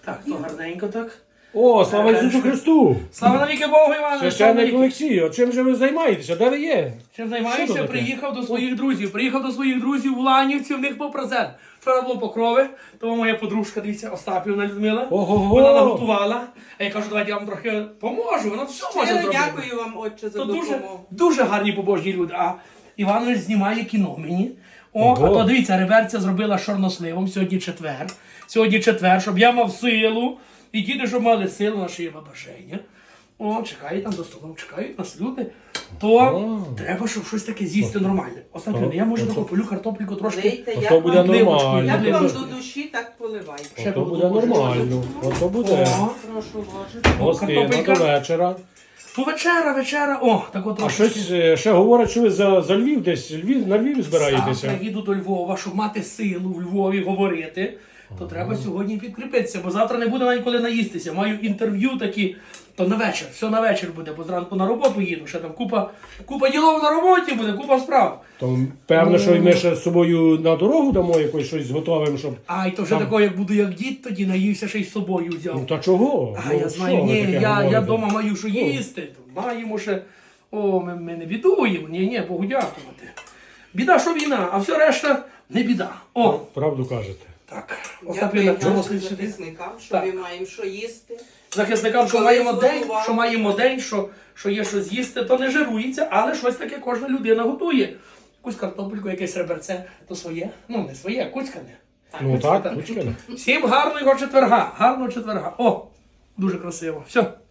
Так, то гарненько так. О, слава Ісусу Христу! Слава навіки Богу, Іване! Священник Олексій, чим же ви займаєтеся? Де ви є? Чим Що займаюся? таке? Приїхав до своїх друзів. Приїхав до своїх друзів в Ланівці, в них по презент. Вчора було Покрови, тому моя подружка, дивіться, Остапівна Людмила. Ого-го! Вона наготувала. А я кажу, давайте я вам трохи поможу. Вона все може Щиро зробити. дякую вам, отче, за То допомогу. дуже гарні побожні люди. А Іванович знімає кіно мені. О, Ого. а то дивіться, реверція зробила з чорносливом. Сьогодні четвер. Сьогодні четвер, щоб я мав силу. І діти, щоб мали силу, наше є бажання. О, чекають там до столу, чекають нас люди. То треба, щоб щось таке з'їсти нормальне. Остапівна, я може таку полю картопліку трошки. Лейте, Ото як буде вам, нормально. як вам Ливочку. до душі, так поливайте. Ще Ото буде нормально. Ото буде. О, Прошу ложити. Гостина картопелька. до вечора. то вечера. О, так от А щось ще говорять, що ви за Львів десь, на Львів збираєтеся. Завтра їду до Львова, щоб мати силу в Львові говорити, то треба сьогодні підкріпитися, бо завтра не буде навіть коли наїстися. Маю інтерв'ю такі, то на вечір, все на вечір буде, бо зранку на роботу їду, ще там купа ділов на роботі буде, купа справ. То певно, що і ми ще з собою на дорогу дамо якось щось зготовимо, щоб... А, і то вже такого, як буду як дід, тоді наївся, ще й з собою взяв. Ну та чого? А, Ну, я що знаю, ви ні, таке я говорите? вдома маю що їсти, то маємо ще, ми не бідуємо, ні, Богу дякувати. Біда, що війна, а все решта не біда. О, Правду кажете. так, Остапівна, Дякую чого нашим слід сюди? захисникам, що Так. ми маємо що їсти. Захисникам, що Коли маємо день, зготували. що маємо день, що є що з'їсти, то не жирується, але щось таке кожна людина готує. Якусь картопельку, якесь реберце, то своє, ну не своє, а куцькане. Ну так, кучка. Всім гарного четверга, гарного четверга. О, дуже красиво. Все.